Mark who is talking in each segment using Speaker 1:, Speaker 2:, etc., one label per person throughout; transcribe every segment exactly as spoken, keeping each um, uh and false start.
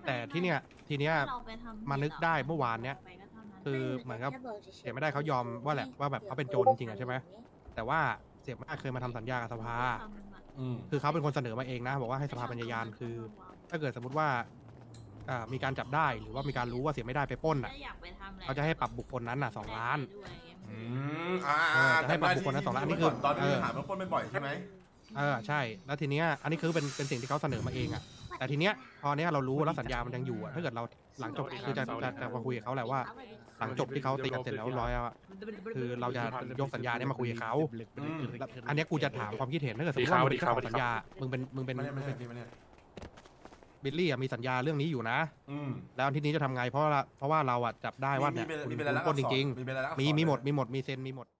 Speaker 1: แต่ที่เนี้ยทีเนี้ยมานึกได้เมื่อวานเนี้ยคือเหมือนกับเสียไม่ได้เขายอมว่าแหละว่าแบบเขาเป็นโจรจริงๆอะใช่ไหมแต่ว่าเสียไม่ได้เคยมาทำสัญญากับสภาคือเขาเป็นคนเสนอมาเองนะบอกว่าให้สภาบรรยายานคือ ถ้าเกิดสมมติว่าอ่ามีการจับได้หรือว่ามีการรู้ว่าเสียไม่ได้ไปปล้นอ่ะเขาจะให้ปรับบุคคลนั้นอ่ะสองล้าน
Speaker 2: อืมอ่า
Speaker 1: จะให้ปรับบุคคลนั้นสองล้านอันนี้คือ
Speaker 2: ตอนที่ถามว่าปล้นบ่อยใช่ไหม
Speaker 1: เออใช่แล้วทีเนี้ยอันนี้คือเป็นเป็นสิ่งที่เขาเสนอมาเองอ่ะแต่ทีเนี้ยพอเนี้ยเรารู้แล้วสัญญามันยังอยู่อ่ะถ้าเกิดเราหลังจบคือจะจะจะมาคุยกับเขาแหละว่าหลังจบที่เขาตีกันเสร็จแล้วร้อยอ่ะคือเราจะยกสัญญาเนี้ยมาคุยกับเขาอันนี้กูจะถามความคิดเห็นถ้าเกิดสมมติว่ามึงเป็นเจ้าของสัญญามึงเป็นมึงเป็นมึงเป็นบิลลี่มีสัญญาเรื่องนี้อยู่นะแล้วทีนี้จะทำไงเพราะเพราะว่าเราอ่ะจับได้ว่าเนี่ยคุณปล้นจริงๆมีมีหมดมีหมดมีเซ็นมีหมด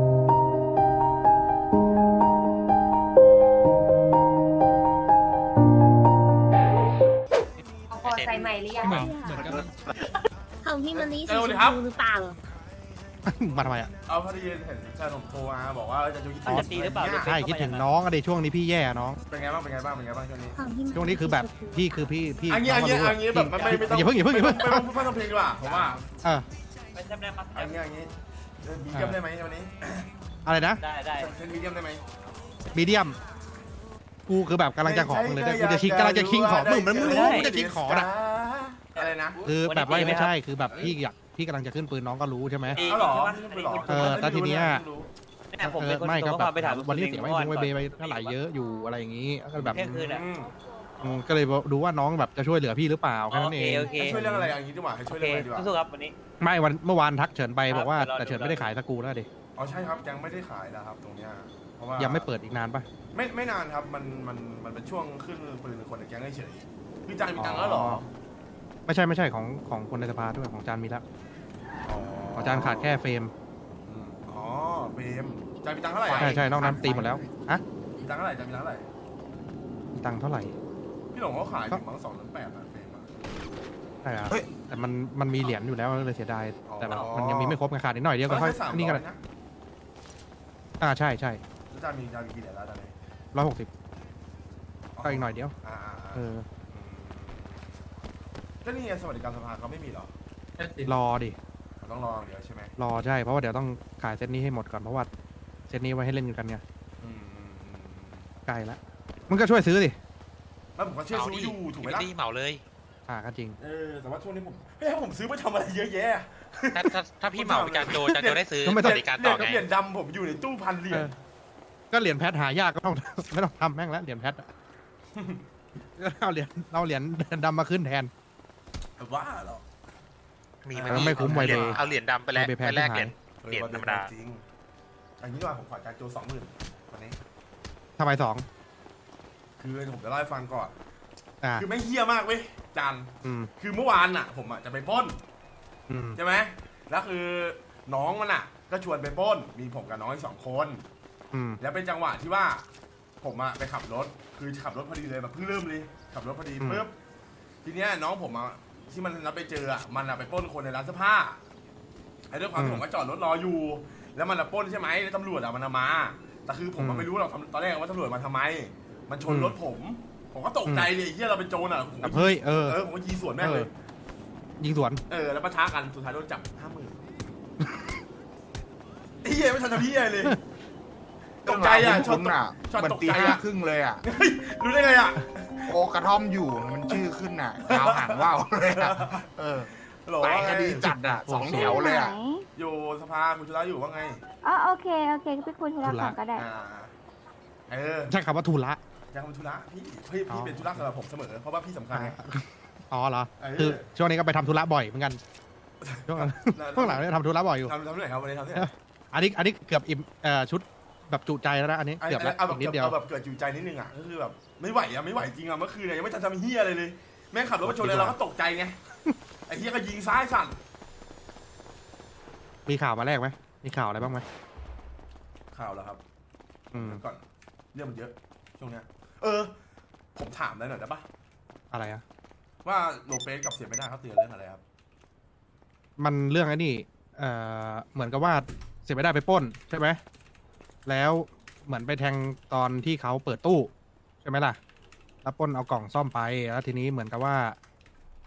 Speaker 3: พอใส่ใหม่หรือยัง
Speaker 1: เหมือนเหมือนกัน
Speaker 3: ของพี่มันนี่สีชมพูหรือเปล่า
Speaker 1: มาทำไมอ่ะ
Speaker 2: เอาพอดีเห็นแฟนผมโทรมาบอกว่าจะคิดถึง
Speaker 4: จะตีหรือเปล่า
Speaker 1: ใช่คิดถึงน้องอะเดี๋ยวช่วงนี้พี่แย่น้อง
Speaker 2: เป็นไงบ้างเป็นไงบ้างเป็นไงบ้างช่วงนี้
Speaker 3: ของพี่
Speaker 1: ช่วงนี้คือแบบพี่คือพี่พี่
Speaker 2: อันนี้อันนี้อันนี้แบบไม่ไม่ต้อง
Speaker 1: อย่าเพิ่งอย่าเพิ่งอย่าเพิ่ง
Speaker 2: ไม่ต้องไม่ต้องเพลงดีกว่าผมว่า
Speaker 1: เออ
Speaker 4: เป็นจำได้มา
Speaker 2: อันนี้อันนี้มีเดียมได้ไหมวันนี้
Speaker 1: อะไรนะ
Speaker 4: ได้ได้
Speaker 2: เซ็นมีเดียมได้ไหม
Speaker 1: มีเดียมกูคือแบบกำลังจะขอมึงเลยนะกูจะชิงกำลังจะชิงของมึงมันไม่รู้กูจะชิงของนะ
Speaker 2: อะไรนะ
Speaker 1: คือแบบว่าไม่ใช่คือแบบพี่อยากพี่กำลังจะขึ้นปืนน้องก็รู้ใช่ไหม
Speaker 2: เอาหรอ
Speaker 1: เออแต่ทีเนี้ย
Speaker 4: เนี่ยผม
Speaker 1: เอ
Speaker 4: เป็
Speaker 1: อน
Speaker 4: คน
Speaker 1: ไม่ก็
Speaker 4: ส่ง
Speaker 1: แบ
Speaker 4: ข้อความ
Speaker 1: บ
Speaker 4: ไปถาม
Speaker 1: วันนี้เสียไว้
Speaker 4: ก่
Speaker 1: ยิงไว้เบย์ไปเท่าไหร่เยอะอยู่อะไรอย่างนี้ก็แบบ
Speaker 4: เที่ยงคืนอ่ะ
Speaker 1: อืมก็เลยดูว่าน้องแบบจะช่วยเหลือพี่หรือเปล่าแค่นั้นเอง
Speaker 4: โอเค
Speaker 2: ช่วยเรื่องอะไรอย่างนี้ดีกว่าให้
Speaker 4: โอ
Speaker 2: ช่วย
Speaker 4: เค
Speaker 2: เรื่องอะไรดีกว่า
Speaker 4: สู้ๆครับวันนี้
Speaker 1: ไม่วันเมื่อวานทักเฉินไปบอกว่า
Speaker 4: ครับ
Speaker 1: แต่เฉินไม่ได้ขายสกูแล้วดิ
Speaker 2: อ๋อใช่ครับยังไม่ได้ขายนะครับตรงเนี้ยเพราะว่า
Speaker 1: ยังไม่เปิดอีกนานปะ
Speaker 2: ไม่ไม่นานครับมันมันมันเป็นช่วงขึ้นปืนคนในแก๊งเฉยพี่จันมีตังค์แล้วหรอ
Speaker 1: ไม่ใช่ไม่ใช่ของของคนในสภาด้วยของจานมีแล้วของจานขาดแค่เฟรม
Speaker 2: อ๋อเฟรมจันมีตังค์เท่าไหร่
Speaker 1: ใช่ใช่นอกนั้นตีหมดแล้วฮะ
Speaker 2: มีตังค์เท่าไหร่จันมีตังค์เท่าไหร่
Speaker 1: มีตังค์เท่าไหร่
Speaker 2: พี่หลงเขาขายถึงมั้งสองล้านแปดนะเฟรมอะ
Speaker 1: ใช่ครับแต่มันมันมีเหรียญอยู่แล้วเลยเสียดายแต่แบบมันยังมีไม่ครบไงขาดนิดหน่อยเดียวก็ค่อยนี่กัน
Speaker 2: นะ
Speaker 1: อ่าใช่ใช่
Speaker 2: แล้วจันมีจันมีกี่เหรียญแล้วตอนนี้
Speaker 1: ร้อยหกสิบก็อีกหน่อยเดียว
Speaker 2: อ่า
Speaker 1: เออ
Speaker 2: ก็นี่ไงสวัสดิการสภาเขาไม่มีหรอ
Speaker 1: รอดิ
Speaker 2: ต้องรอเดี๋ยวใช่ไหม
Speaker 1: รอใช่เพราะว่าเดี๋ยวต้องขายเซตนี้ให้หมดก่อนเพราะว่าเซตนี้ไว้ให้เล่นกันไงใกล้ละมึงก็ช่วยซื้อดิ
Speaker 2: แล้วผมก็เชื่อซื้ออยู่ถูกไหมล่ะ
Speaker 5: ดีเหมาเลย
Speaker 1: อ่าก็จริง
Speaker 2: เออแต่ว่าช่วงนี้ผมเฮ้ยผมซื้อไปทำอะไรเยอะแยะ
Speaker 5: ถ้าถ้าถ้าพี่เหมาจานโจจานโจได้ซื้อ
Speaker 1: ก็ไม่
Speaker 5: ส
Speaker 1: ต้อง
Speaker 5: วัสดิการ
Speaker 2: เหรี
Speaker 5: ต่
Speaker 2: ย
Speaker 5: อ
Speaker 2: ญกับ
Speaker 5: ไง
Speaker 2: เหรียญดำผมอยู่ในตู้พันเหรียญ
Speaker 1: ก็เหรียญแพทหายากก็ต้อง ไม่ต้องทำแม่งแล้วเหรียญแพทอะเอาเหรียญเอาเหรียญดำมาขึ้นแทน
Speaker 2: บ้าเหรอ
Speaker 5: มี
Speaker 1: เออไม่คุ้มไว
Speaker 5: เหรียญ
Speaker 1: เลย
Speaker 5: เอาเหรียญดำไปแลก
Speaker 1: ไปแพง
Speaker 5: ไปแลก
Speaker 1: ที่
Speaker 5: เหรีย
Speaker 1: หาย
Speaker 5: ญ เหรียญธรรมดา
Speaker 2: จริงอันนี้ดีกว่าผมขอการโจสองหมื่นวันนี้
Speaker 1: ทำไมสอง
Speaker 2: คือผมจะเล่าให้ฟังก่อน
Speaker 1: อ่า
Speaker 2: คือไม่เฮี้ยมากเว้ยจัน
Speaker 1: อืม
Speaker 2: คือเมื่อวานน่ะ ผมอ่ะจะไปปล้น
Speaker 1: อืม
Speaker 2: ใช่ไหมแล้วคือน้องมันอ่ะ ก็ชวนไปปล้น มีผมกับน้องอีกสองคน
Speaker 1: อืม
Speaker 2: แล้วเป็นจังหวะที่ว่า ผมอ่ะไปขับรถ คือขับรถพอดีเลยแบบเพิ่งเริ่มเลย ขับรถพอดีปุ๊บ ทีเนี้ยน้องผมอ่ะที่มันรับไปเจออ่ะ มันอ่ะไปปล้นคนในร้านเสื้อผ้า ไอ้ด้วยความที่ผมก็จอดรถรออยู่ แล้วมันอ่ะปล้นใช่ไหมแล้วตำรวจอ่ะมันมา แต่คือผมไม่รู้หรอกตอนแรกว่าตำรวจมาทำไม มันชนรถผม ผมก็ตกใจเลยเฮียเราเป็นโจรอ่ะ
Speaker 1: แบบเฮ้ยเออ
Speaker 2: เออผมก็ยีสวนแม่งเลย
Speaker 1: ยิงสวน
Speaker 2: เออแล้วปะทะกันสุดท้ายโดนจับห้าหมื่นไอ้เหี้ยไม่ทันทำพี่เลยตกใจอ่ะช็อต
Speaker 6: คุ้นอ่ะ
Speaker 2: ช็อต
Speaker 6: มัน
Speaker 2: ตก
Speaker 6: ตี
Speaker 2: ใจ
Speaker 6: ห้า
Speaker 2: อ่ะ
Speaker 6: ครึ่งเลยอ่ะ
Speaker 2: เฮ้ยรู้ได้ไงอ่ะ
Speaker 6: โอกระท่อมอยู่มันชื่อขึ้นอ่ะยาวหางว่าวเลยอ่ะเออ
Speaker 2: หรอ
Speaker 6: หลายคดีจัดอ่ะสองแถวเลยอ่ะ
Speaker 2: อยู่สภาคุณชุระอยู่ว่าไง
Speaker 3: อ๋อโอเคโอเคไปคุยธุระก่อนก็ได้
Speaker 2: อ่าเออ
Speaker 1: ใช่คำว่าทุระ
Speaker 2: ยังทำธุระพี่พี่พี่เป็นธุระสำหรับผมเสมอเพราะว่าพี่สำคัญไง
Speaker 1: อ๋อเหรอ
Speaker 2: เออ
Speaker 1: คือช่วงนี้ก็ไปทำธุระบ่อยเหมือนกันช่วงหลังช่วงหลังเนี่ยทำธุระบ่อยอยู่
Speaker 2: ทำทำที่ไหนครับวันนี้ทำที่ไหน
Speaker 1: อันนี้อันนี้เกือบอิ่มเอ่อชุดแบบจุใจแล้วนะอันนี้เกือบแล้ว
Speaker 2: เอาแบ
Speaker 1: อี
Speaker 2: บ
Speaker 1: กนิดเดียว
Speaker 2: เอาแบบเกิดจิตใจนิดนึงอ่ะก็คือแบบไม่ไหวอ่ะไม่ไหวจริงอ่ะเมื่อคืนเนี่ยยังไม่ทันทำเฮียอะไรเลยแม่งขับรถมาชนเลยเราก็ตกใจไงไอ้เฮียก็ยิงซ้ายสั่น
Speaker 1: มีข่าวมาแรกไหมมีข่าวอะไรบ้างไหม
Speaker 2: ข่าวแล้วครับ
Speaker 1: อืม
Speaker 2: ก่อนเรื่องมันเยอะช่วงเนี้ยเออ ผมถามได้หน่อยได้ปะ
Speaker 1: อะไรอะ
Speaker 2: ว่าโลเปสกับเสียไม่ได้เขาเตือนเรื่องอะไรครับ
Speaker 1: มันเรื่องไอ้นี่เอ่อเหมือนกับว่าเสียไม่ได้ไปปล้นใช่ไหมแล้วเหมือนไปแทงตอนที่เขาเปิดตู้ใช่ไหมล่ะแล้วปล้นเอากล่องซ่อมไปแล้วทีนี้เหมือนกับว่า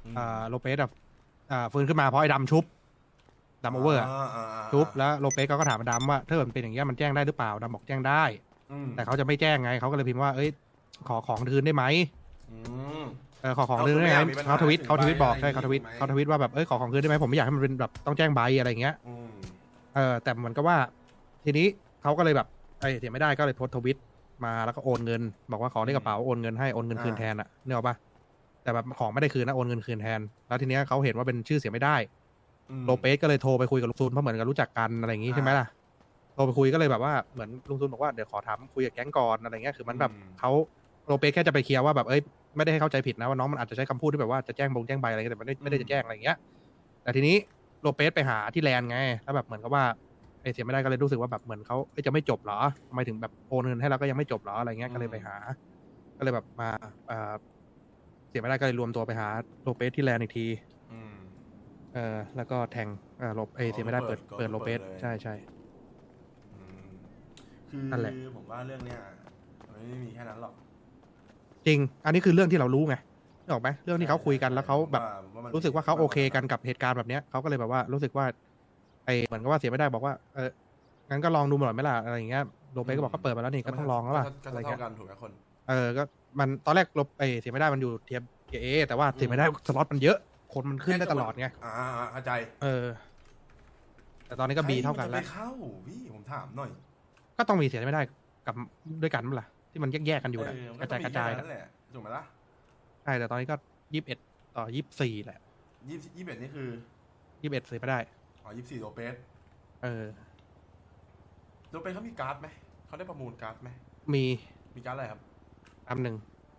Speaker 1: อ่าโลเปสแบบอ่าฟื้นขึ้นมาเพราะไอ้ดำชุบดำโอเวอร์อะ
Speaker 2: าา
Speaker 1: ชุบแล้วโลเปสเขาก็ถามดำว่าถ้าเกิดมันเป็นอย่างเงี้ยมันแจ้งได้หรือเปล่าดำบอกแจ้งได้
Speaker 2: อืม
Speaker 1: แต่เขาจะไม่แจ้งไงเขาก็เลยพิมพ์ว่าเอ้ยขอของคืนได้ไหม
Speaker 2: อืม
Speaker 1: เออขอของคืนได้ไหม
Speaker 2: เอาคือไม่อยากมีปัญหา
Speaker 1: เขาทวิต
Speaker 2: ถึง
Speaker 1: เขาทวิต
Speaker 2: ใบ
Speaker 1: บอก
Speaker 2: อะไร
Speaker 1: ใช่เขาทวิต
Speaker 2: อย่างงี้
Speaker 1: เขาทวิตว่าแบบเอ้ยขอของคืนได้ไหมผมไม่อยากให้มันเป็นแบบต้องแจ้งใบอะไรอย่างเงี้ย
Speaker 2: อืม
Speaker 1: เออแต่เหมือนกับว่า ทีนี้เขาก็เลยแบบไอ้ยเสียไม่ได้ก็เลยโพสต์ทวิตมาแล้วก็โอนเงิน บอกว่าขอเลขกระเป๋าโอนเงินให้โอนเงินคืนแทนอะนึกออกปะแต่แบบของไม่ได้คืนนะโอนเงินคืนแทน แล้วทีเนี้ยเขาเห็นว่าเป็นชื่อเสียไม่ได้
Speaker 2: อืม
Speaker 1: โลเปสก็เลยโทรไปคุยกับลุงซูนเพราะเหมือนกับรู้จักกันอะไรอย่างงี้
Speaker 2: อ่า
Speaker 1: ใช่ไหมล่ะโทรไปคุยก็เลยแบบว่าเหมือนลุงซูนบอกว่าเดี๋ยวขอถามคุยกับแก๊งก่อนอะไรเงี้ยคือมันแบบ
Speaker 2: อืม
Speaker 1: เขาโลเปสแค่จะไปเคลียร์ว่าแบบเอ้ยไม่ได้ให้เข้าใจผิดนะว่าน้องมันอาจจะใช้คำพูดที่แบบว่าจะแจ้งบงแจ้งใบอะไรเงี้ยแต่มันไม่ไม่ได้จะแจ้งอะไรอย่างเงี้ยแต่ทีนี้โลเปสไปหาที่แลนด์ไงแล้วแบบเหมือนกับว่าไอ้เสียไม่ได้ก็เลยรู้สึกว่าแบบเหมือนเขาเอ้ยจะไม่จบเหรอทำไมถึงแบบโอนเงินให้เราก็ยังไม่จบเหรออะไรเงี้ยก็เลยไปหา ก็เลยแบบมาเอ่อเสียไม่ได้ก็เลยรวมตัวไปหาโลเปสที่แลนด์อีกที
Speaker 2: อืม
Speaker 1: เออแล้วก็แทงเออโลเอยเสียไม่ได้เปิด
Speaker 2: ก็
Speaker 1: เปิดโลเปส
Speaker 2: เปิดเลย
Speaker 1: ใช่ใช่
Speaker 2: อืมคือ
Speaker 1: นั่นแหละ
Speaker 2: ผมว่าเรื่องเนี้ยมันไม่ได้มีแค่นั้นหรอก
Speaker 1: จริง อันนี้คือเรื่องที่เรารู้ไงนึกออกไหมเรื่องที่เขาคุยกันแล้วเขาแบบ
Speaker 2: ผมว่มัน
Speaker 1: รู้สึกว่าเขาโอเคกันกับเหตุการณ์แบบเนี้ยเขาก็เลยแบบว่ารู้สึกว่าไอเหมือนกับว่าเสียไม่ได้บอกว่าเอองั้นก็ลองดูหน่อยไหมล่ะอะไรอย่างเงี้ยโลเปสก็บอกก็เปิดมาแล้วนี่ก็ต้องลองแล้วล่ะ
Speaker 2: ก็
Speaker 1: อะไร
Speaker 2: เท่า
Speaker 1: เงี้ย
Speaker 2: กันถูกไหมคน
Speaker 1: เออก็มันตอนแรกลบไอเสียไม่ได้มันอยู่เทียบเอแต่ว่าเสียไม่ได้สล็อตมันเยอะ คนมันขึ้นได้ตลอดไง
Speaker 2: อ่าอ่าเข้าใจ
Speaker 1: เออ แต่ตอนนี้ก็บีเท่ากัน
Speaker 2: ใคร
Speaker 1: แล้ว
Speaker 2: มัจะไปเข้าพี่ผมถามหน่อย
Speaker 1: ก็ต้องมีเสียไม่ได้กับด้วยกันมั้ยล่ะที่มันแยกๆกันอยู่นะ
Speaker 2: เออมัน
Speaker 1: กระจายกระ
Speaker 2: ต้
Speaker 1: จา
Speaker 2: อง
Speaker 1: ย
Speaker 2: มีแค่
Speaker 1: นะ
Speaker 2: นั้นแหละถูกไหมล่ะ
Speaker 1: ใช่แต่ตอนนี้ก็ยี่สิบเอ็ดต่อยี่สิบสี่แหละ
Speaker 2: ยี่สิบยี่สิบเอ็ดนี่คือ
Speaker 1: ยี่สิบเอ็ดเสียไม่ได้
Speaker 2: อ๋อยี่สิบสี่โลเปส
Speaker 1: เออ
Speaker 2: โลเปสเขามีการ์ดไหมเขาได้ประมูลการ์ดไหม
Speaker 1: มี
Speaker 2: มีการ์ดอะไรครับ
Speaker 1: อันหนึ่ง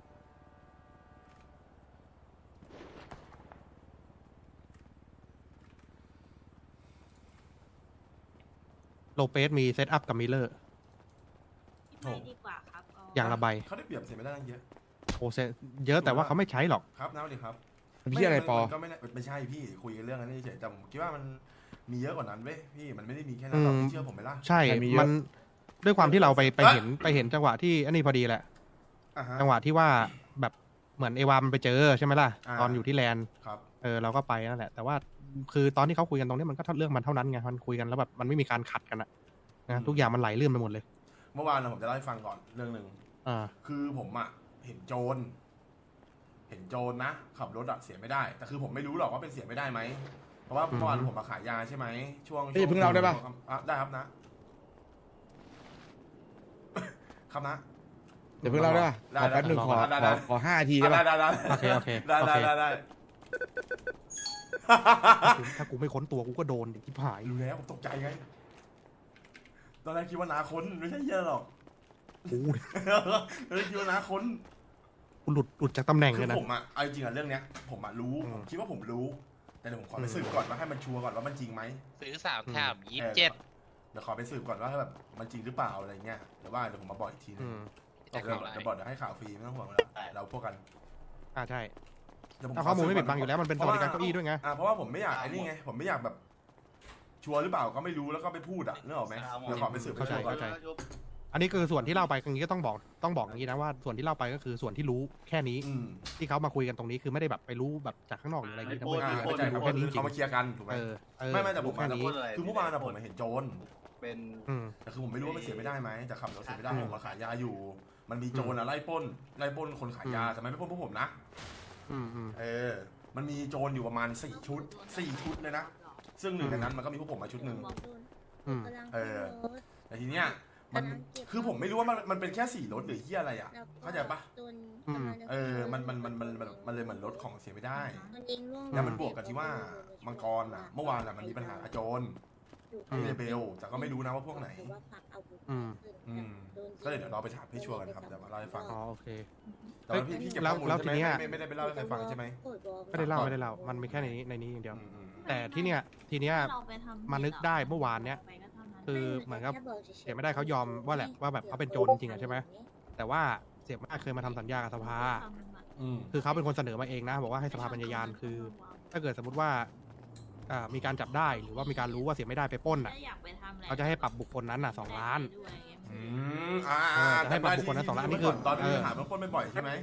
Speaker 1: โลเปสมีเซตอัพกับมิลเลอร์
Speaker 3: ไม่ดีกว่าครับอ๋อ
Speaker 1: อย่างละใบ
Speaker 2: เขาได้เปรียบเสียไม่ได้ตั้งเยอะ
Speaker 1: โอเซเยอะแต่ว่าเขาไม่ใช้หรอก
Speaker 2: ครับน้าดีครับ
Speaker 6: พี่อะไรปอ
Speaker 2: มันก็ไม่ได้ไม่ใช่พี่คุยกันเรื่องนั้นเฉยๆแต่ผมคิดว่ามันมีเยอะกว่านั้นเว้ยพี่มันไม่ได้มีแค่นั้นหรอก
Speaker 1: อืม
Speaker 2: พี่เชื่อผมไหมล่ะ
Speaker 1: ใช่
Speaker 6: ใครมีเยอะ
Speaker 1: มันด้วยความที่เราไปไป
Speaker 2: เอ๊ะ
Speaker 1: เห็นไปเห็นจังหวะที่อันนี้พอดีแหละ
Speaker 2: อ่าฮะ
Speaker 1: จังหวะที่ว่าแบบเหมือนเอวามันไปเจอใช่ไหมล่ะ
Speaker 2: อ่า
Speaker 1: ตอนอยู่ที่แลนด์
Speaker 2: ครับ
Speaker 1: เออเราก็ไปนั่นแหละ แต่ว่าคือตอนที่เขาคุยกันตรงนี้มันก็เรื่องมันเท่านั้นไงมันคุยกันแล้วแบบมันไม่มีการขัดกันอะนะทุกอย่างมันไหลลื่นไปหมดเลย
Speaker 2: เมื่อวานนะผมจะเล่าให้ฟังก่อนเรื่องหนึ่ง
Speaker 1: อ่า
Speaker 2: คือผมอะเห็นโจร เห็นโจรนะขับรถอะเสียไม่ได้ แต่คือผมไม่รู้หรอกว่าเป็นเสียไม่ได้ไหม เพราะว่า
Speaker 1: อืม
Speaker 2: เมื่อวานผมมาขายยาใช่ไหมช่วง
Speaker 6: เฮ้ยเพิ่งเล่าได้ปะ
Speaker 2: อ่ะได้ครับนะ ครับนะ
Speaker 6: เดี๋ยวเพิ่งเล่าได้ป่ะ
Speaker 2: ได้
Speaker 6: ขอแป๊บหนึ่ง
Speaker 2: ได้
Speaker 6: ขอ
Speaker 2: ได้
Speaker 6: ข
Speaker 2: ได้
Speaker 6: อขอห้านาทีได้
Speaker 2: ได้
Speaker 6: ป่ะ
Speaker 2: ได้ได้
Speaker 1: โอเคโอเค
Speaker 2: ได้
Speaker 1: โอ
Speaker 2: ได้
Speaker 1: เค
Speaker 2: ได้ได้
Speaker 1: ถ้ากูไม่ค้นตัวกูก็โดนดิที่ผาย
Speaker 2: รู้แล้วผมตกใจไง ตอนแรกคิดว่านาคนไม่ใช่เหี้ยอะหรอก
Speaker 1: กู
Speaker 2: ตอนแรกคิดว่านาคน
Speaker 1: กูหลุดหลุดจากตำแหน่ง
Speaker 2: คื
Speaker 1: เล
Speaker 2: อย
Speaker 1: นะ
Speaker 2: ผมอะเอาจริงๆอะเรื่องเนี้ย ผมอะรู้
Speaker 1: อืม
Speaker 2: ผมคิดว่าผมรู้ แต่เดี๋ยวผมขอไป
Speaker 1: อืม
Speaker 2: สืบก่อนว่าให้มันชัวร์ก่อนว่ามันจริงไหม
Speaker 5: ซื้อสาม
Speaker 1: อืม
Speaker 5: แถมยี่สิบเจ็ด
Speaker 2: เดี๋ยวขอไปสืบก่อนว่าแบบมันจริงหรือเปล่าอะไรเงี้ยเดี๋ยวว่าเดี๋ยวผมมาบอกอีกทีนึ
Speaker 1: อื
Speaker 2: ง
Speaker 1: ม
Speaker 2: เดี๋ยว
Speaker 5: จากของอะไร
Speaker 2: เดี๋ยวบอกเดี๋ยวให้ข่าวฟรีไม่ต้องห่วงแล้วเราพวกกัน
Speaker 1: อ่าใช่
Speaker 2: เดี๋ยวผ
Speaker 1: ถ้าข้อมูลไม่
Speaker 2: ข
Speaker 1: ปิดบังอยู่แล้วมันเป็นสวัสดิการเก้าอี้ด้วยไง
Speaker 2: อ่าเพราะว่าผมไม่อยากไอ้นี่ไงผมไม่อยากแบบ ชัวร์หรือเปล่าก็ไม่รู้แล้วก็ไปพูดอ่ะนึกออกไหมเดี๋ยวขอไปสืบ
Speaker 1: เข้าใจ
Speaker 2: ไปก่อน
Speaker 1: เข้าใจ อันนี้คือส่วนที่เล่าไปอย่างนี้ก็ต้องบอกต้องบอกอย่างนี้นะว่าส่วนที่เล่าไปก็คือส่วนที่รู้แค่นี้
Speaker 2: อืม
Speaker 1: ที่เขามาคุยกันตรงนี้คือไม่ได้แบบไปรู้แบบจากข้างนอกหรืออะไรอย่างนี้นะเว้ย
Speaker 2: อ่า
Speaker 1: คือ
Speaker 2: เข้าใจ
Speaker 1: รู้
Speaker 2: ครับ
Speaker 1: แค่นี้จริ
Speaker 2: เขา
Speaker 1: ง
Speaker 2: มาเคลียร์กันถูกไหม
Speaker 1: เออเออ
Speaker 2: ไม่ไม่แต่ผม
Speaker 1: รู้แค่นี้
Speaker 2: คือเมื่อวานอะผมเห็นโจร
Speaker 4: เป็น
Speaker 1: อืม
Speaker 2: แต่คือผมไม่รู้ว่ามันเสียไม่ได้ไหมแต่ขับรถเสียไม่ได้
Speaker 1: อืม
Speaker 2: ผมมาขายยาอยู่ มันมีโจรอะไล่ปล้นไล่ปล้นคนขายยา
Speaker 1: อืม
Speaker 2: แต่ไม่ไม่ปล้นพวกผมนะ
Speaker 1: อืมอืม
Speaker 2: เออ มันมีโจรอยู่ประมาณสี่ชุดสี่ชุดเลยนะ ซึ่งหนึ่งในนั้นมันก็มีพวกผมมาชุดหนึ่ง
Speaker 1: อืม
Speaker 2: เออ แต่ทีเนี้ยมันคือผมไม่รู้ว่ามันมันเป็นแค่สี่รถหรือที่อะไรอ่ะ เข้าใจปะ
Speaker 1: อืม
Speaker 2: เออ มันมันมันมันมันมันเลยเหมือนรถของเสียไม่ได้
Speaker 3: อืม
Speaker 2: แล้วมันบวกกับที่ว่ามังกรอ่ะ เมื่อวานอ่ะมันมีปัญหากับโจร
Speaker 1: อืม
Speaker 2: เรเบลแต่ก็ไม่รู้นะว่าพวกไหน
Speaker 1: อืม
Speaker 2: อืม ก็เลยเดี๋ยวเราไปถามพี่ชัวร์กันครับเดี๋ยวมาเล่าให้ฟัง
Speaker 1: อ๋อโอเค
Speaker 2: แต่ว่าพี่พี่เก็บ
Speaker 1: แล้ว
Speaker 2: ข้อมูล
Speaker 1: แล้ว
Speaker 2: ใช่ไหม
Speaker 1: ทีเนี้ย
Speaker 2: ไม่ไม่ได้ไปเล่าให้ใครฟังใช่ไหม
Speaker 1: ไม่ได้เล่าไม่ได้เล่ามันมีแค่ในนี้ในนี้อย่างเดียว
Speaker 2: อืมอืม
Speaker 1: แต่ที่เนี้ยทีเนี้ย มานึกได้เมื่อวานเนี้ย คือเหมือนกับเสียไม่ได้เขายอมว่าแหละว่าแบบเขาเป็นโจรจริงๆอะใช่ไหมแต่ว่าเสียไม่ได้เคยมาทำสัญญากับสภา
Speaker 2: อืม
Speaker 1: คือเขาเป็นคนเสนอมาเองนะบอกว่าให้สภาบรรยายานคือ ถ้าเกิดสมมติว่าอ่ามีการจับได้หรือว่ามีการรู้ว่าเสียไม่ได้ไปปล้นอ่ะเขาจะให้ปรับบุคคลนั้นอ่ะสองล้าน
Speaker 2: อืมอ่า
Speaker 1: เออจะให้ปรับบุคคลนะสองล้านนี่คือ
Speaker 2: ตอนที่
Speaker 1: เออ
Speaker 2: หาเบื้องต้นไม่บ่อยใช่ไหม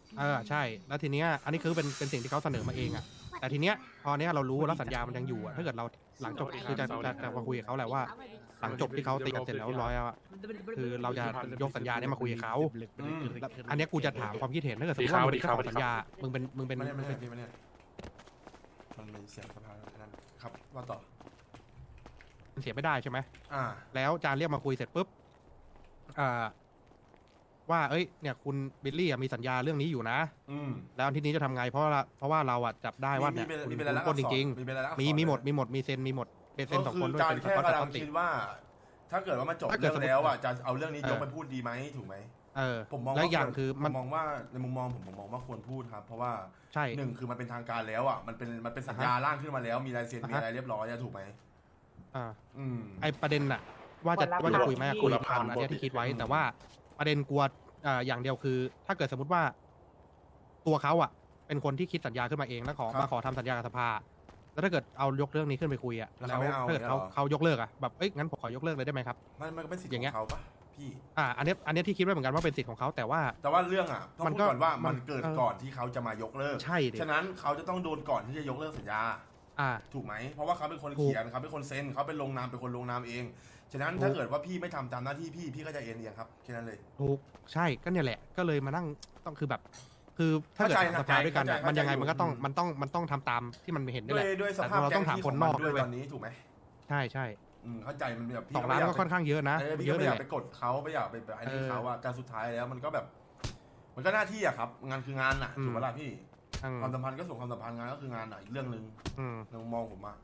Speaker 1: เออใช่ แล้วทีเนี้ยอันนี้คือเป็นเป็นสิ่งที่เขาเสนอมาเองอ่ะแต่ทีเนี้ยพอเนี้ยเรารู้แล้วสัญญามันยังอยู่อ่ะถ้าเกิดเราหลังจบคือจะจะจะมาคุยกับเขาแหละว่า หลังจบที่เขาตีกันเสร็จแล้วร้อยอะคือเราจะยกสัญญาเนี้ยมาคุยกับเขา
Speaker 2: อืม
Speaker 1: แล้วอันเนี้ยกูจะถามความคิดเห็นถ้าเกิดสมมติว่ามึงเป็นเจ้าของสัญญามึงเป็นมึงเป็น
Speaker 2: ไม่ได้
Speaker 1: มึ
Speaker 2: ไม่
Speaker 1: ง
Speaker 2: ได้
Speaker 1: เป็น
Speaker 2: พี่ไม่ได้มันเป็นเสียงสภาแค่นั้นครับว่าต่อ
Speaker 1: มันเสียไม่ได้ใช่ไหม
Speaker 2: อ่า
Speaker 1: แล้วจานเรียกมาคุยเสร็จปุ๊บอ่าว่าเอ้ยเนี่ยคุณบิลลี่อะมีสัญญาเรื่องนี้อยู่นะ
Speaker 2: อืม
Speaker 1: แล้วทีนี้จะทำไงเพราะว่าเพราะว่าเราอะจับได้ว่าเนี่ย
Speaker 2: มี
Speaker 1: คุณ
Speaker 2: มี
Speaker 1: คุ
Speaker 2: เป็น
Speaker 1: ณ
Speaker 2: รายลักษ
Speaker 1: ปล้น
Speaker 2: ณ์
Speaker 1: จริง
Speaker 2: มีเป็นรายลักษณ์
Speaker 1: ๆมี
Speaker 2: อักษร
Speaker 1: มีหมด
Speaker 2: เลย
Speaker 1: มีหมดมีเซ็นมีหมดเป็นเซ็นสอง
Speaker 2: ก็
Speaker 1: คนด้วย
Speaker 2: จาน
Speaker 1: เป็นส
Speaker 2: แค่
Speaker 1: กอต
Speaker 2: กำ
Speaker 1: ส
Speaker 2: ลั
Speaker 1: กอง ตติ
Speaker 2: คิดว่า ถ้าเกิดว่ามันจบ
Speaker 1: ถ้าเกิ
Speaker 2: เรื่
Speaker 1: ด
Speaker 2: อง
Speaker 1: สมมุติ
Speaker 2: แล้วอ่ะจะเอาเรื่องนี้
Speaker 1: เออย
Speaker 2: กไปพูดดีไหมถูกไหม
Speaker 1: เออ
Speaker 2: ผมมอง
Speaker 1: แล้ว
Speaker 2: ว่า
Speaker 1: อย่าง
Speaker 2: วร
Speaker 1: คือมัน
Speaker 2: ผมมองว่าในมุมมองผมผมมองว่าควรพูดครับ เพราะว่า
Speaker 1: ใช่
Speaker 2: หนึ่งคือมันเป็นทางการแล้วอ่ะมันเป็นมันเป็นสัญญาร่างขึ้นมาแล้ว มีลายเซ็น
Speaker 1: อ่า
Speaker 2: มี
Speaker 1: ฮะ
Speaker 2: อะไรเรียบร้อยอะถูกไหม
Speaker 1: อ่า
Speaker 2: อืม
Speaker 1: ไอประเด็นน่ะ ว่าจะว่าจะคุยไหมคุยผ่านอันเนี้ยที่คิดไว้ แต่ว่าประเด็นกลัวอ่าอย่างเดียวคือ ถ้าเกิดสมมติว่า ตัวเขาอ่ะ เป็นคนที่คิดสัญญาขึ้นมาเองแล้วขอ
Speaker 2: ครับ
Speaker 1: มาขอทำสัญญากับสภา แล้วถ้าเกิดเอายกเรื่องนี้ขึ้นไปคุยอ่ะ
Speaker 2: แล้ว
Speaker 1: แล้ว
Speaker 2: เขาไม่เอา
Speaker 1: ถ้าเกิดเขา
Speaker 2: เนี่ยเหรอ
Speaker 1: เขายกเลิกอ่ะแบบเอ้ยงั้นผมขอยกเลิกเลยได้ไหมครับ
Speaker 2: มันมันก็เป็นสิทธิ์
Speaker 1: อย่าง
Speaker 2: ข
Speaker 1: เงี้
Speaker 2: อย งเขาปะพี่
Speaker 1: อ่า อันเนี้ยอันเนี้ยที่คิดไว้เหมือนกันว่าเป็นสิทธิ์ของเขาแต่ว่า
Speaker 2: แต่ว่าเรื่องอ่ะต้อง
Speaker 1: มัน
Speaker 2: พูด
Speaker 1: ก็
Speaker 2: ก่อนว่า
Speaker 1: มั
Speaker 2: มัน นเกิด
Speaker 1: เออ
Speaker 2: ก่อนที่เขาจะมายกเลิก
Speaker 1: ใช่ดิ
Speaker 2: ฉะนั้นเขาจะต้องโดนก่อนที่จะยกเลิกสัญญา
Speaker 1: อ่า
Speaker 2: ถูกไหม เพราะว่าเขาเป็นคน
Speaker 1: ถูก
Speaker 2: เขียนเขาเป็นคนเซ็นเขาเป็นลงนามเป็นคนลงนามเอง ฉะนั้น
Speaker 1: ถูก
Speaker 2: ถ้าเกิดว่าพี่ไม่ทำตามหน้าที่พี่พี่ก็จะเอ็นเอียงครับแค่นั้นเลย
Speaker 1: ถูกใช่ก็เนี่ยแหละ ก็เลยมานั่งต้องคือแบบ คือถ้าเกิด
Speaker 2: เข้าใจนะ
Speaker 1: สภาด้วยกันอะ
Speaker 2: เข้าใจ
Speaker 1: มันยังไง
Speaker 2: เข้าใจ
Speaker 1: มันก็ต้อง
Speaker 2: อยู่
Speaker 1: มันต้องมันต้องทำตามที่มันเห็นนี่
Speaker 2: ด้
Speaker 1: แห
Speaker 2: วย
Speaker 1: ละ
Speaker 2: ด้วยสภาพ
Speaker 1: แต่เรา
Speaker 2: แก๊
Speaker 1: ต้อง
Speaker 2: ง
Speaker 1: ถาม
Speaker 2: ที่
Speaker 1: คน
Speaker 2: ของ
Speaker 1: น
Speaker 2: มั
Speaker 1: อก
Speaker 2: นด้วย
Speaker 1: ด้วย
Speaker 2: ตอนนี้ถูกไหม
Speaker 1: ใช่ใช่
Speaker 2: อืมเข้าใจมันแบบพี่
Speaker 1: สอง
Speaker 2: ไม่
Speaker 1: ล้าน
Speaker 2: ย
Speaker 1: ก็ค่อนข้างเยอะนะ
Speaker 2: เออพี่
Speaker 1: เย
Speaker 2: ก็
Speaker 1: อะ
Speaker 2: ไม่
Speaker 1: เลย
Speaker 2: อยา
Speaker 1: แห
Speaker 2: ก
Speaker 1: ละ
Speaker 2: ไปกดเขาไม่อยากไปแบบอันนี้
Speaker 1: เออ
Speaker 2: เขาอะการสุดท้ายแล้วมันก็แบบ มันก็หน้าที่อะครับ งานคืองานอะ
Speaker 1: อืม
Speaker 2: ถูกปะล่ะพี่
Speaker 1: อืม
Speaker 2: ความสัมพันธ์ก็ส่งความสัมพันธ์งานก็คืองานอะอีกเรื่องหนึ่ง
Speaker 1: อืม
Speaker 2: ในมุมมองผมอะ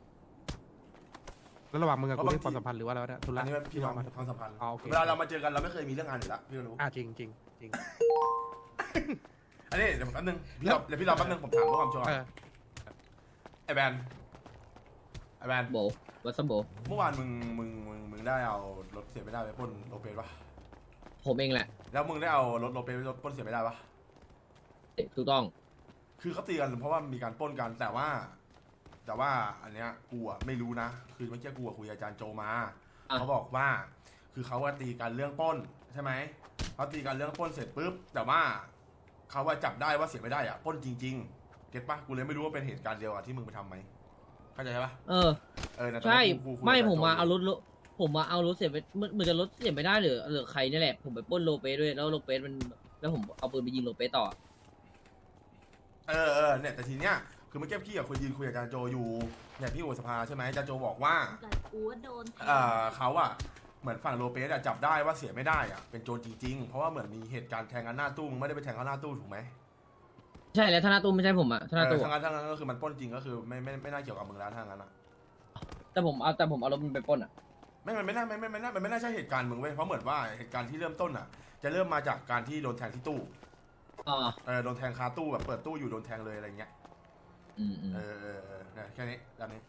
Speaker 1: แล้วระหว่างมึงกับ
Speaker 2: เพ
Speaker 1: กู
Speaker 2: ราะ
Speaker 1: นี่
Speaker 2: บางที
Speaker 1: ความสัมพันธ์หรือว่าอะไรวะเนี่ยธุ
Speaker 2: อั
Speaker 1: ระ
Speaker 2: นนี้พี่น้อง
Speaker 1: มา
Speaker 2: ความสัมพันธ์
Speaker 1: อ๋อโอเค
Speaker 2: เวลาเรามาเจอกันเราไม่เคยมีเรื่องงานอยู่แล้วพี่ก็รู้
Speaker 1: อ่าจริงจริงจริง
Speaker 2: อันนี้เดี๋ยวแป๊บนึงพี่รอเดี๋ยวพี่รอแป๊บนึงผมถามเพื่อความชัวร์
Speaker 1: เออ
Speaker 2: ไอแบนไอแบน
Speaker 4: โบวัสมโบ
Speaker 2: เมื่อวานมึงมึงมึงมึงได้เอารถเสียไม่ได้ไปปล้นโลเปสปะ
Speaker 4: ผมเองแหละ
Speaker 2: แล้วมึงได้เอารถโลเปสไปปล้นเสียไม่ได้ปะ
Speaker 4: ถูกต้อง
Speaker 2: คือเขาตีกันเพราะว่ามีการปล้นกันแต่ว่า แต่ว่าอันเนี้ยกูอะไม่รู้นะคือเมื่อกี้กูอะคุยกับอาจารย์โจมา
Speaker 4: อ่ะ
Speaker 2: เขาบอกว่า คือเขาว่าตีกันเรื่องปล้นใช่ไหมเขาตีกันเรื่องปล้นเสร็จปุ๊บแต่ว่าเขาว่าจับได้ว่าเสียไม่ได้อะปล้นจริงๆเก็ตปะกูเลยไม่รู้ว่าเป็นเหตุการณ์เดียวกับที่มึงไปทำไหมเข้าใจปะ
Speaker 4: เออ
Speaker 2: เออนะตอน
Speaker 4: ใช่
Speaker 2: นั้นกูกูคุย
Speaker 4: ไม่
Speaker 2: กับ
Speaker 4: ผมมา
Speaker 2: จรย์โจ
Speaker 4: เอารถรถผมมาเอารถเสียไปเหมือนเหมือนจะรถเสียไม่ได้หรือหรือใครนี่แหละ ผมไปปล้นโลเปสด้วยแล้วโลเปสมันแล้วผมเอาปืนไปยิงโลเปสต่อ
Speaker 2: เออเออเนี่ยแต่ทีเนี้ยคือเมื่อกี้พี่กับคุยยืนคุยกับอาจารย์โจอยู่เนี่ยพี่โอสภาใช่ไหมอาจารย์โจบอกว่า
Speaker 3: กับกูว่าโดนแทง
Speaker 2: เออเขาอะเหมือนฝั่งโลเปสอะจับได้ว่าเสียไม่ได้อะเป็นโจรจริงๆเพราะว่าเหมือนมีเหตุการณ์แทงกันหน้าตู้มึงไม่ได้ไปแทงเขาหน้าตู้ถูกไหม
Speaker 4: ใช่แล้วธนาตู้ไม่ใช่ผมอะธนา
Speaker 2: เอ
Speaker 4: ตู้
Speaker 2: อทั้งนั้นทั้งนั้นก็คือมันปล้นจริงก็คือไม่ไม่ไม่น่าเกี่ยวกับมึงแล้วทั้งนั้นอะ
Speaker 4: แต่ผมเอาแต่ผมเอารถมันไปปล้นอะ
Speaker 2: ไม่มันไม่น่าไม่ไม่ไม่น่ามันไม่น่าใช่เหตุการณ์มึงเว้ยเพราะเหมือนว่าเหตุการณ์ที่เริ่มต้นอะจะเริ่มมาจากการที่โดนแทงที่ตู้
Speaker 4: อ๋อ
Speaker 2: เออโดนแทงคาตู้แบบเปิดตู้อยู่โดนแทงเลยอะไรเงี้ย
Speaker 4: อืมอืม
Speaker 2: เออเออเออเนี่ยแค่นี้แบบนี้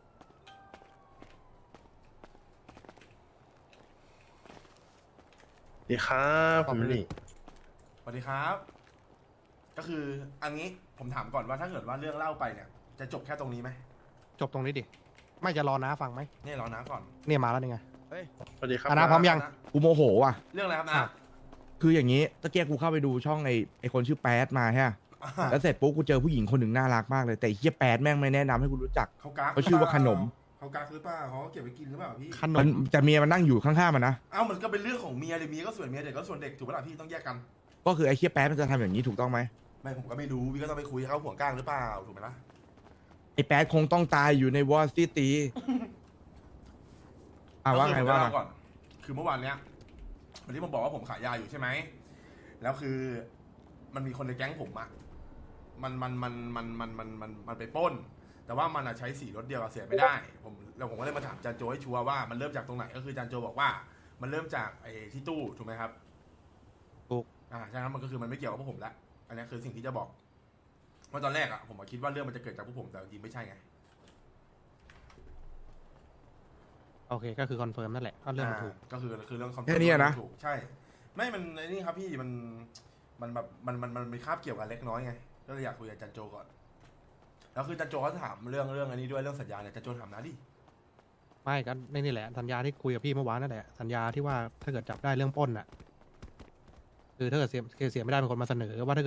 Speaker 7: ดีครับผมนี่
Speaker 2: สวัสดีครับ ก็คืออันนี้ผมถามก่อนว่าถ้าเกิดว่าเรื่องเล่าไปเนี่ย จะจบแค่ตรงนี้ไหม
Speaker 1: จบตรงนี้ดิ ไม่จะรอน้าฟังไหม
Speaker 2: เนี่ยรอนะก่อน
Speaker 1: เนี่ยมาแล้วนี่ไง
Speaker 7: สวัสดีครับ
Speaker 1: อ่ะนะพร้อมยัง
Speaker 2: นะ
Speaker 8: กูโมโหว่ะ
Speaker 2: เรื่องอะไรครับ
Speaker 1: อ่ะ
Speaker 2: นะ
Speaker 8: คืออย่างนี้ตะเกียกกูเข้าไปดูช่องไอไอคนชื่อแป๊ดมาใช่ปะ
Speaker 2: อ่า
Speaker 8: แล้วเสร็จปุ๊บกูเจอผู้หญิงคนหนึ่งน่ารักมากเลย แต่ไอ้เฮียแป๊ดแม่งไม่แนะนำให้กูรู้จัก
Speaker 2: เขากัก
Speaker 8: เขาชื่อว่าขนม
Speaker 2: เขากักหรือเปล่าเขาเก็บไว้กินหรือเปล่าพี่
Speaker 1: ขน
Speaker 8: มัน
Speaker 1: ม
Speaker 8: จะเมียมันนั่งอยู่ข้างๆมันนะ
Speaker 2: เอ้ามันก็เป็นเรื่องของเมียเลยเมียก็ส่วนเมียเด็กก็ส่วนเด็กถูกปะล่ะพี่ต้องแยกกัน
Speaker 8: ก็คือไอเฮียแป๊ดมันจะทำอย่างนี้ถูกต้องไหม
Speaker 2: ไม่ผมก็ไม่รู้พี่ก็ต้องไปคุยกับเขาห่วงก้างหรือเปล่าถูกไหมล่ะ
Speaker 8: ไอแป๊ดคงต้องตายอยู่ในวอร์ซิตี้อ่ะว่าไง
Speaker 2: ก็คือผม
Speaker 8: ว่า
Speaker 2: จะ
Speaker 8: มา
Speaker 2: เล่ก่อน คือเมื่อวานเนี้ยวันที่ผมบอกว่าผมขายยาอยู่ใช่ไหมแล้วคือมันมีคนในแก๊งผมอะมันมันมันมันมันมันมันมันไปปล้น แต่ว่ามันอะใช้สีรถเดียวกับเสียไม่ได้ ผมแล้วผมก็เลยมาถามจานโจให้ชัวร์ว่ามันเริ่มจากตรงไหนก็คือจานโจบอกว่า มันเริ่มจากไอ้ที่ตู้ถูกไหมครับ
Speaker 1: ถูก
Speaker 2: อ่าฉะนั้นมันก็คือมันไม่เกี่ยวกับพวกผมละอันนี้คือสิ่งที่จะบอกเพราะตอนแรกอะผมอะคิดว่าเรื่องมันจะเกิดจากพวกผมแต่จริงๆไม่ใช่ไง
Speaker 1: โอเคก็คือคอนเฟิร์มนั่นแหละก็เรื่องมันถูก
Speaker 2: าก็คือคือเรื่อง
Speaker 8: แค่นี้อะนะ
Speaker 2: ถูกใช่ ไม่มันไอ้นี่ครับพี่มันมันแบบมันมันมันมีคาบเกี่ยวกันเล็กน้อยไงก็เลยอยากคุยกับจันโจก่อนแล้วคือจันโจเขาถามเรื่องเรื่องอันนี้ด้วยเรื่องสัญญาเนี่ยจันโจถามนะดิ
Speaker 1: ไม่ก็ในนี่แหละสัญญาที่คุยกับพี่เมื่อวานนั่นแหละสัญญาที่ว่าถ้าเกิดจับได้เรื่องปล้นอ่ะ คือถ้าเกิดเสียเสียไม่ได้เป็นคนมาเสนอว่าถ้าเกิด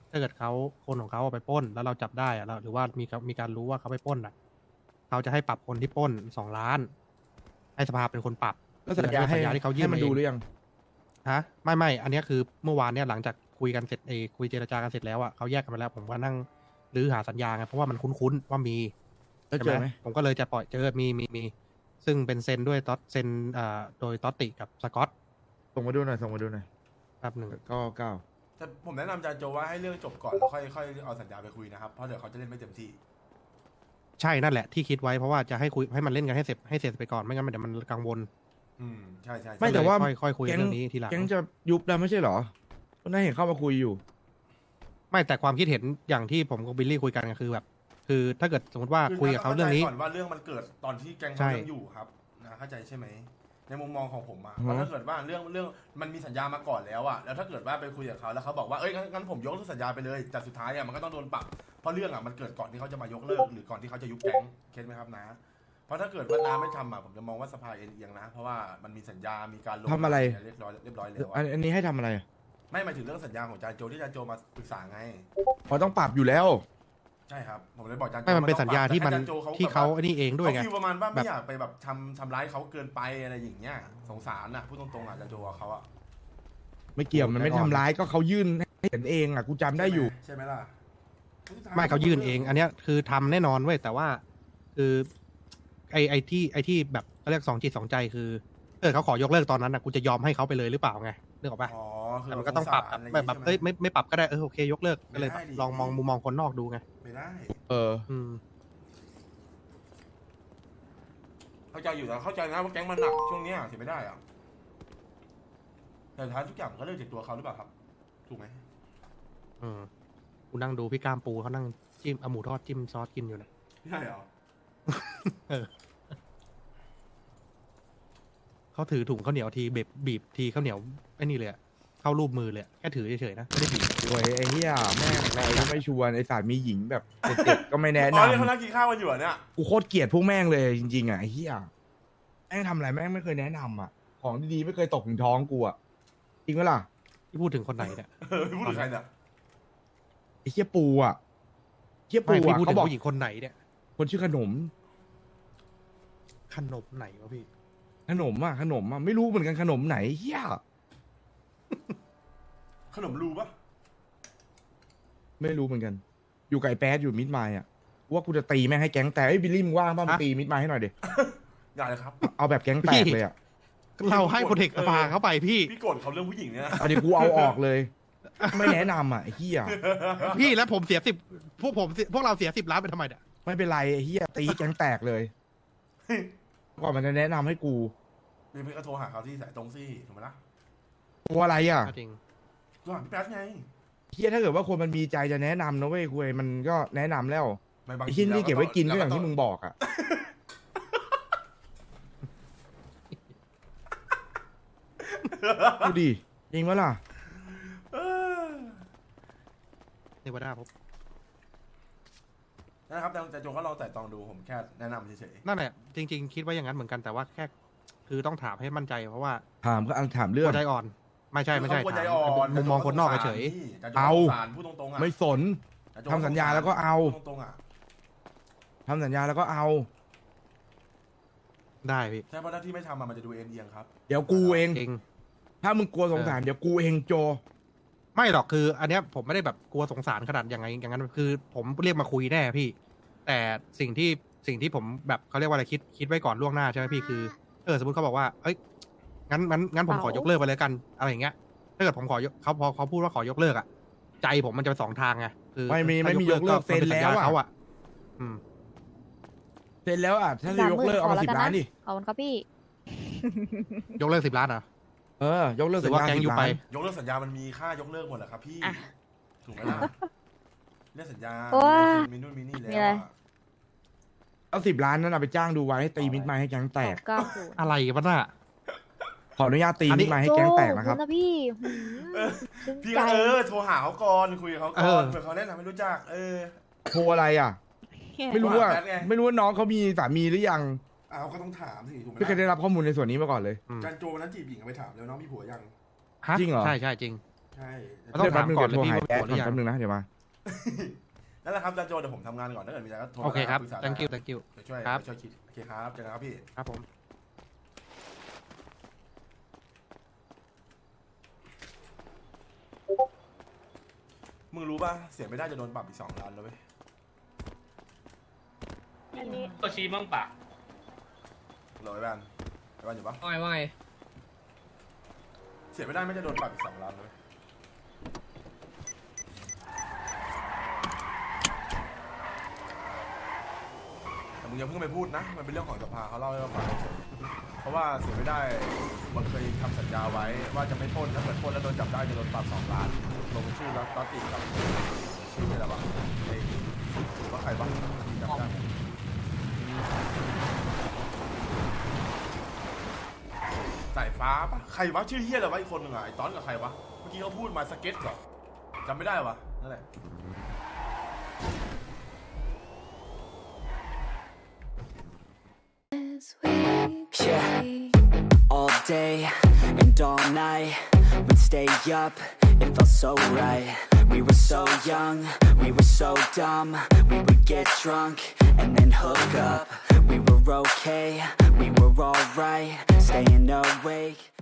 Speaker 1: ถ้าเกิดเขาคนของเขาเอาไปปล้น แล้วเราจับได้อะแล้วหรือว่ามีมีการรู้ว่าเขาไปปล้นอ่ะเขาจะให้ปรับคนที่ปล้นสองล้าน ให้สภาเป็นคนปรับ
Speaker 8: แล้วสัญญาให้
Speaker 1: สัญญาที่เขายื่น
Speaker 8: ให้มันดู
Speaker 1: เอง
Speaker 8: หรือยัง
Speaker 1: ฮะไม่ไม่อันเนี้ยคือเมื่อวานเนี่ยหลังจากคุยกันเสร็จเออคุยเจรจากันเสร็จแล้วอ่ะเขาแยกกันไปแล้ว ผมก็นั่งรื้อหาสัญญาไงเพราะว่ามันคุ้นๆว่ามี
Speaker 8: แล้วเจอไหม
Speaker 1: ผมก็เลยจะปล่อยเจอมีมีมีซึ่งเป็นเซ็นด้วยต๊อตเซ็นอ่าโดยต๊อตติกับสกอต
Speaker 8: ส่งมาดูหน่อยส่งมาดูหน่อย
Speaker 1: แป๊บหนึ่ง
Speaker 8: ก็เก้า
Speaker 2: แต่ผมแนะนำจานโจว่าให้เรื่องจบก่อนแล้วค่อยค่อยเอาสัญญาไปคุยนะครับ เพราะเดี๋ยวเขาจะเล่นไม่เต็มที่
Speaker 1: ใช่นั่นแหละที่คิดไว้เพราะว่าจะให้คุยให้มันเล่นกันให้เสร็จให้เสร็จไปก่อนไม่งั้นมันเดี๋ยวมันกังวล
Speaker 2: อืมใช่ใช่ใช่
Speaker 8: ไม่แต่ว่า
Speaker 1: ค่อยค่อยคุยเรื่องนี้ทีหลัง
Speaker 8: แก๊งจะยุบแล้วไม่ใช่เหรอก็น่าเห็นเข้ามาคุยอยู่
Speaker 1: ไม่แต่ความคิดเห็นอย่างที่ผมกับบิลลี่คุยกันก็คือแบบ คือถ้าเกิดสมมติว่า
Speaker 2: คือ
Speaker 1: คุยกับเขาเรื่องนี้
Speaker 2: ก่อนว่าเรื่องมันเกิดตอนที่แก๊ง
Speaker 1: ใช่
Speaker 2: เขายังอยู่ครับนะเข้าใจใช่ไหมในมุมมองของผมอะ
Speaker 8: อือฮะ
Speaker 2: ว่าถ้าเกิดว่าเรื่องเรื่องมันมีสัญญามาก่อนแล้วอะแล้วถ้าเกิดว่าไปคุยกับเขาแล้วเขาบอกว่าเอ้ยงั้นงั้นผมยกเลิกสัญญาไปเลยแต่สุดท้ายอะมันก็ต้องโดนปรับเพราะเรื่องอะมันเกิดก่อนที่เขาจะมายกเลิกหรือก่อนที่เขาจะยุบแก๊งเก็ตไหมครับนะเพราะถ้าเกิดว่าน้าไม่ทำอะผมจะมองว่าสภาเอ็นเอียงนะเพราะว่ามันมีสัญญามีการลง
Speaker 8: ทำอะไร
Speaker 2: เรียบร้อยเรียบร้อยแล้ว
Speaker 8: อัน
Speaker 2: อะ
Speaker 8: อันนี้ให้ทำอะไรอ่ะ
Speaker 2: ไม่หมายถึงเรื่องสัญญาของจานโจที่จานโจมาปรึกษาไง
Speaker 8: พอต้องปรับอยู่แล้ว
Speaker 2: ใช่ครับผมเลยบอกจานโจ
Speaker 1: ไม่มันเป็น
Speaker 2: ต้อง
Speaker 1: สัญญา
Speaker 2: ปรับ
Speaker 1: ที่มัน
Speaker 2: แต่ให้จนโจ
Speaker 1: ที่เขา
Speaker 2: แบบว่
Speaker 1: ไอ้นี่เองด้วยไง
Speaker 2: เขาฟีลประมาณว่า
Speaker 1: แบ
Speaker 2: ไม่
Speaker 1: บ
Speaker 2: อยากไปแบบทำทำร้ายเขาเกินไปอะไรอย่างเงี้ยสงสารน่ะพูดตรงๆอ่ะจะโจกับเขาอ่ะ
Speaker 8: ไม่เกี่ยวมันไม่ทำร้ายก็เขายื่นให้เห็นเองอ่ะกูจำได้อยู่
Speaker 2: ใช่ไหมล่ะ
Speaker 1: ไม่เขายื่นเอง อันเนี้ยคือทำแน่นอนเว้ยแต่ว่า คือไอไอที่ไอที่แบบเขาเรียกสองจิตสองใจคือเออเขาขอยกเลิกตอนนั้นนะกูจะยอมให้เขาไปเลยหรือเปล่าไงนึกออกปะ
Speaker 2: อ๋อคือ
Speaker 1: แต่มันก็ต้องปรับ
Speaker 2: สงสาะไร
Speaker 1: แบบแบบ
Speaker 2: ใช่ไหม
Speaker 1: เอ้ยไม่ไม่ปรับก็ได้เออโอเคยกเลิกก็เลย
Speaker 2: ไม่ได้ดิ
Speaker 1: ลองมองมุมมองคนนอกดูไง
Speaker 2: ไม่ได้
Speaker 8: เออ
Speaker 1: อืม
Speaker 2: เข้าใจอยู่แต่เข้าใจนะว่าแก๊งมันหนักช่วงเนี้ยเสียไม่ได้อ่ะแต่ท้ายทุกอย่างมันก็เริ่มจากตัวเขาหรือเปล่าครับถูกไหม
Speaker 1: อืมกูนั่งดูพี่กล้ามปูเขานั่งจิ้มเอาหมูทอดจิ้มซอสกินอยู่นะ
Speaker 2: ใช่เหรอ
Speaker 1: เขาถือถุงข้าวเหนียวทีเบบบีบทีข้าวเหนียวไอ้นี่เลยอะเข้ารูปมือเลยอะแค่ถือเฉยๆนะไม่ได้บีบ
Speaker 8: โวยไอ้เหี้ยแม่งใครก็ไม่ชวนไอ้สารมีหญิงแบบเด็กๆก็ไม่แนะ
Speaker 2: อ๋อเนี่ยเขา
Speaker 8: นำ
Speaker 2: นั่งกินข้าวกันอยู่เหรอเนี่ย
Speaker 8: กูโคตรเกลียดพวกแม่งเลยจริงๆอ่ะไอ้เหี้ยแม่งทำอะไรแม่งไม่เคยแนะนำอ่ะ ของดีๆไม่เคยตกถึงท้องกูอ่ะจริงไหมล่ะ
Speaker 1: ที่พูดถึงคนไหนเนี่ย
Speaker 2: เออพูดถึงใครเนี่ย
Speaker 8: ไอ้เหี้ยปูอ่ะเหี้ยปู
Speaker 1: ไม่พี่
Speaker 8: อ่ะ
Speaker 1: พูด
Speaker 8: เขา
Speaker 1: ถึง
Speaker 8: บอก
Speaker 1: ผู้หญิงคนไหนเนี่ย
Speaker 8: คนชื่อขนม
Speaker 1: ขนมไหนวะพี่
Speaker 8: ขนมอ่ะขนมอ่ะไม่รู้เหมือนกันขนมไหนเหี้ย
Speaker 2: ขนมรูปะ
Speaker 8: ไม่รู้เหมือนกัน อยู่ไก่แป๊ดอยู่มิดไมล์อ่ะว่ากูจะตีแม่งให้แก๊งแตกไอ้ยบิลลี่มึงว่างป่ะมึง
Speaker 1: ฮะ
Speaker 8: ตีมิดไมล์ให้หน่อยดิ
Speaker 2: อย่าเลยครับ
Speaker 8: เอาแบบแก๊งแตกเลยอ่ะ
Speaker 1: เราให้โปรเทคสภาเข้าไปพี่
Speaker 2: พี่โกรธเขาเรื่องผู้หญิงเนี่ยนะ
Speaker 8: เอาดิกูเอาออกเลย ไม่แนะนำอ่ะไอ้เหี้ย
Speaker 1: พี่แล้วผมเสียสิบพวกผมเสียพวกเราเสียสิบล้านไปทำไมเนี่ย
Speaker 8: ไม่เป็นไรไอ้เหี้ยตีแก๊งแตกเลยก่อนมันจะแนะนำให้กู
Speaker 2: พี่พี่ก็โทรหาเขาที่สายตรงซี่ถูกไหมล่ะ
Speaker 8: ตัวอะไรอ่ะ
Speaker 1: จริง
Speaker 2: โทรหาพี่แป๊ดไง
Speaker 8: เฮียถ้าเกิดว่าคนมันมีใจจะแนะนำนะเว้ยคุยมันก็แนะนำแล้ว
Speaker 2: ไม่บาง
Speaker 8: ไอ้
Speaker 2: ที
Speaker 8: ที่นี่เก็บไว้กินก็
Speaker 2: แล้
Speaker 8: อย่าง
Speaker 2: ต้
Speaker 8: ที่มึงบอกอ่ะ ดูดิจริงวะล่ะ
Speaker 2: เออ
Speaker 1: เทวดาผม
Speaker 2: นะครับแต่แต่โจก็ลองแต่ตองดูผมแค่แนะนำเฉย
Speaker 1: นั่นแหละจริง ๆ คิดว่าอย่างนั้นเหมือนกันแต่ว่าแค่ คือต้องถามให้มั่นใจเพราะว่า
Speaker 8: ถามก็เอาถามเรื่อง
Speaker 1: หัวใจอ่อน ไม่
Speaker 2: ๆ
Speaker 1: ใช่ไม่ใช่
Speaker 2: เขากลัวใจ
Speaker 1: ถาม
Speaker 2: อ่อน
Speaker 1: มุมมองคนนอกเฉย
Speaker 2: เอา
Speaker 8: เอา
Speaker 2: สารพูดตรงๆอ่ะ
Speaker 8: ไม่สน ทำสัญญาแล้วก็เอา
Speaker 2: พูดตรงๆอ่ะ
Speaker 8: ทำสัญญาแล้วก็เอา
Speaker 1: ๆได้พี่
Speaker 2: ใช่เพราะถ้าที่ไม่ทำอะมันจะดูเอ็นเอียงครับ
Speaker 8: เดี๋ยวกูเอง
Speaker 1: จริง
Speaker 8: ถ้ามึงกลัวสงสารเดี๋ยวกูเองโจ
Speaker 1: ไม่หรอกคือ อันเนี้ยผมไม่ได้แบบกลัวสงสารขนาดอย่างไงอย่างนั้นคือ ผมเรียกมาคุยแน่พี่ แต่สิ่งที่สิ่งที่ผมแบบเขาเรียกว่าอะไรคิดคิดไว้ก่อนล่วงหน้าใช่ไหมพี่คือเออสมมติเขาบอกว่าเอ้ยงั้นงั้นงั้นผมขอยกเลิกไปเลยกันอะไรอย่างเงี้ยถ้าเกิดผมขอยกเขาพอเขาพูดว่าขอยกเลิกอ่ะใจผมมันจะไปสองทางไงคือ
Speaker 8: ไม่มี
Speaker 1: ถ้า
Speaker 8: ไม่มียกเลิก
Speaker 1: มันป็
Speaker 8: เซ็นแล้ว
Speaker 1: สัญญา
Speaker 8: อะ
Speaker 1: เขาอ่ะอืม
Speaker 8: เสร็จแล้วอ่ะถ้าจะยกเลิกเอามาสิบล้านดิ
Speaker 9: ขอบคุณครับพี่
Speaker 1: ยกเลิกสิบล้านเหรอ
Speaker 8: เออยกเลิก
Speaker 1: หรื
Speaker 8: สั
Speaker 1: อ
Speaker 8: ญ
Speaker 1: ว่า
Speaker 8: ญา
Speaker 1: แก๊ง
Speaker 8: สิ
Speaker 1: ยุ
Speaker 8: บ
Speaker 1: ไป
Speaker 8: ล้าน
Speaker 2: ยกเลิกสัญญามันมีค่ายกเลิกหมดแหละครับพี่
Speaker 9: อ่ะ
Speaker 2: ถูกไหมล่ะเรื่องสัญญา
Speaker 9: โอ้ย
Speaker 2: มีนู่นมีนี่แล้ว
Speaker 9: มีอะไร
Speaker 2: อะ
Speaker 8: เอาสิบล้านนั้นเอาไปจ้างดูไว้ให้ตีมิดไม้ให้แก๊งแตก
Speaker 9: เก้าศูนย์
Speaker 1: อะไรกันน่ะ
Speaker 8: ขออนุญาตตี
Speaker 1: อันนี้
Speaker 8: มิดไม้ให้แก๊งแตกนะครับ
Speaker 9: โจ้ขอณพี่หืมซึ้ง
Speaker 2: พี่
Speaker 9: ใจ
Speaker 2: ก็เออโทรหาเขาก่อนคุยกับเขาก่อนเผื่อเขาแนะนำให้รู้จักเออ
Speaker 8: โทรอะไรอ่ะ ไม่รู้ว่า
Speaker 2: แป๊ดไง
Speaker 8: ไม่รู้ว่าน้องเขามีสามีหรือยัง
Speaker 2: อ้าวก็ต้องถามสิถูกไหม
Speaker 8: ไม่เคยได้รับข้อมูลในส่วนนี้มาก่อนเลย
Speaker 1: อืม
Speaker 2: การโจวันนั้นจีบหญิงไปถามแล้วน้องมีผัวยัง
Speaker 1: ฮะ
Speaker 8: จริงเหรอ
Speaker 1: ใช่ใช่จริง
Speaker 2: ใใช่
Speaker 1: มันต้องถามก่อนเลยพี่
Speaker 8: เดี๋ยว
Speaker 1: ว่า
Speaker 8: แป๊บนึง
Speaker 1: หรือยัง
Speaker 8: นะเดี๋ยวมา
Speaker 2: นั่นแฮะ ครับอาจารย์โจเดี๋ยวผมทำงานก่อนถ้าเกิดมีอะไรก็โทร
Speaker 1: โอเคครับ
Speaker 2: ปรึกษา
Speaker 1: thank you
Speaker 2: ได้
Speaker 1: thank you
Speaker 2: ไปช่วย
Speaker 1: ครับ
Speaker 2: ไปช่วยคิดโอเคครับเจอกันครับพี่
Speaker 1: ครับผม
Speaker 2: มึงรู้ป่ะเสียไม่ได้จะโดนปรับอีกสองล้านแล้วเว้ย
Speaker 3: อันนี้
Speaker 5: ก็ชี้มั่งปะ
Speaker 2: รอไอ้แบนไอ้แบนอยู่ปะ
Speaker 4: ว่าไงว่าไง
Speaker 2: เสียไม่ได้ไม่จะโดนปรับอีกสองล้านเลยแต่มึงอย่าเพิ่งไปพูดนะมันเป็นเรื่องของสภาเขาเล่าให้เราฟังเฉยเพราะว่าเสียไม่ได้มันเคยทำสัญญาไว้ว่าจะไม่ปล้นถ้าเกิดปล้นแล้วโดนจับได้จะโดนปรับสองล้านลงชื่อแล้วก็ติดกับชื่ออะไรวะไอ้ว่าใครบ้างจำได้ไหมสายฟ้าปะใครวะชื่อเฮียอะไรวะอีกคนหนึ่งอ่ะไอ้ต้อนกับใครวะเมื่อกี้เขาพูดมาสเก็ตก่อนจำไม่ได้วะนั่นแหละ
Speaker 10: Yeah, all day and all night, we'd stay up, it felt so right. We were so young, we were so dumb, we would get drunk and then hook up. We were okay, we were alright, staying awake.